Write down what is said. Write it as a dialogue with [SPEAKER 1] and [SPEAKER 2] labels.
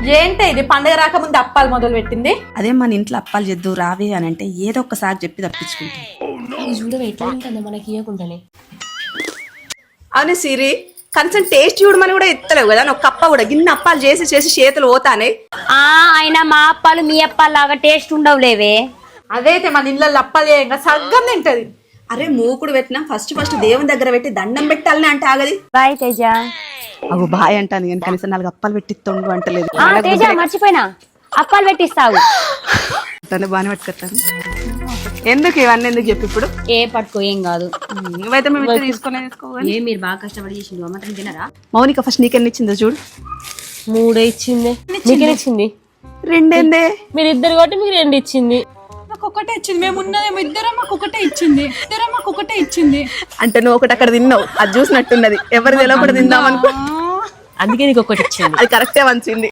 [SPEAKER 1] ఏంటి ఇది పండగ రాకముందు అప్పాలు మొదలు పెట్టింది?
[SPEAKER 2] అదే మన ఇంట్లో అప్పాలు చేద్దు రావే అని అంటే ఏదో ఒక్కసారి చెప్పి తప్పించుకుంటాం.
[SPEAKER 3] చూడవే ఎట్లా ఉంటుంది మనకి ఇవ్వకుండానే.
[SPEAKER 2] అవునే సిరి, కనీసం టేస్ట్ చూడమని కూడా ఎత్తలేవు కదా. ఒక కప్ప కూడా గిన్నె అప్పాలు చేసి చేసి చేతులు పోతానే.
[SPEAKER 3] అయినా మా అప్పాలు మీ అప్పాలు లాగా టేస్ట్ ఉండవులేవే.
[SPEAKER 1] అదైతే మన ఇళ్ళల్లో అప్పాలు చేయంగా సగ్గం తింటది.
[SPEAKER 2] అరే మూకుడు పెట్టినా ఫస్ట్ దేవుని దగ్గర పెట్టి దండం పెట్టాలని అంటే ఆగది.
[SPEAKER 3] బాయ్ తేజ.
[SPEAKER 2] అవు బాయ్ అంటాను కానీ కనీసం 4 అప్పాలు పెట్టి తొండు అంటలేదు.
[SPEAKER 3] తేజ మర్చిపోయినా అప్పాలు పెట్టిస్తావు.
[SPEAKER 2] తను బాగానే పట్టుకొస్తాను. ఎందుకు ఇవన్నీ ఎందుకు చెప్పి ఇప్పుడు?
[SPEAKER 3] ఏ పట్టుకో ఏం కాదు.
[SPEAKER 2] నువ్వైతే మేము తీసుకోవాలి.
[SPEAKER 3] మీరు బాగా కష్టపడి చేసిండు అమ్మ తినరా?
[SPEAKER 2] మౌనిక ఫస్ట్ నీకెన్ని ఇచ్చిందో చూడు.
[SPEAKER 3] 3 ఇచ్చింది. నీకెన్ని ఇచ్చింది?
[SPEAKER 2] 2
[SPEAKER 3] మీరు ఇద్దరు కాబట్టి మీకు 2 ఇచ్చింది.
[SPEAKER 1] మాకు ఒకటే ఇచ్చింది. మేము ఉన్నదేమో ఇద్దరం, మాకు ఒకటే ఇచ్చింది.
[SPEAKER 2] అంటే నువ్వు ఒకటి అక్కడ తిన్నావు, అది చూసినట్టున్నది. ఎవరు తెలియకుండా తిందాం అనుకో,
[SPEAKER 3] అందుకే నీకు ఒకటి ఇచ్చింది.
[SPEAKER 2] అది కరెక్టే వంచింది.